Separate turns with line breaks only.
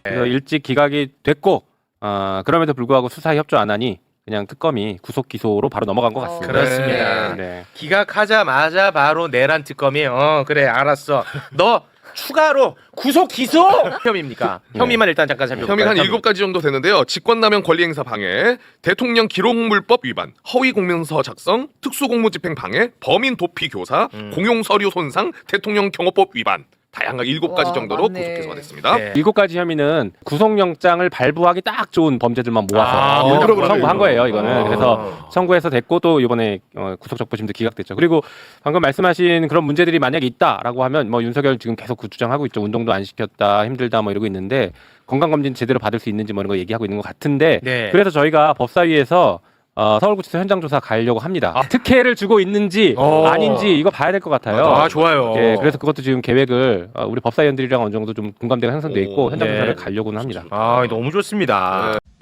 그래서 일찍 기각이 됐고 그럼에도 불구하고 수사에 협조 안 하니 그냥 특검이 구속 기소로 바로 넘어간 것 같습니다.
그렇습니다.
네.
기각하자마자 바로 내란 특검이 그래 알았어. 너 추가로 구속 기소 혐의입니까? 혐의만 일단 잠깐 살펴볼까요?
혐의가 한 7가지 정도 되는데요. 직권남용 권리행사 방해, 대통령 기록물법 위반, 허위 공문서 작성, 특수공무집행 방해, 범인 도피 교사, 공용서류 손상, 대통령 경호법 위반. 다양하게 7가지
와,
정도로
맞네.
구속 기소가 됐습니다.
네.
7가지 혐의는 구속영장을 발부하기 딱 좋은 범죄들만 모아서
그러네.
청구한 거예요. 이거는. 그래서 청구해서 됐고 또 이번에 구속적부심도 기각됐죠. 그리고 방금 말씀하신 그런 문제들이 만약에 있다라고 하면 뭐 윤석열 지금 계속 그 주장하고 있죠. 운동도 안 시켰다, 힘들다 뭐 이러고 있는데 건강검진 제대로 받을 수 있는지 뭐 이런 거 얘기하고 있는 것 같은데
네.
그래서 저희가 법사위에서 서울구치소 현장 조사 가려고 합니다. 특혜를 주고 있는지 아닌지 이거 봐야 될 것 같아요.
아 좋아요.
예, 그래서 그것도 지금 계획을 우리 법사위원들이랑 어느 정도 좀 공감대가 형성돼 있고 현장
네.
조사를 가려고는 합니다.
아 너무 좋습니다.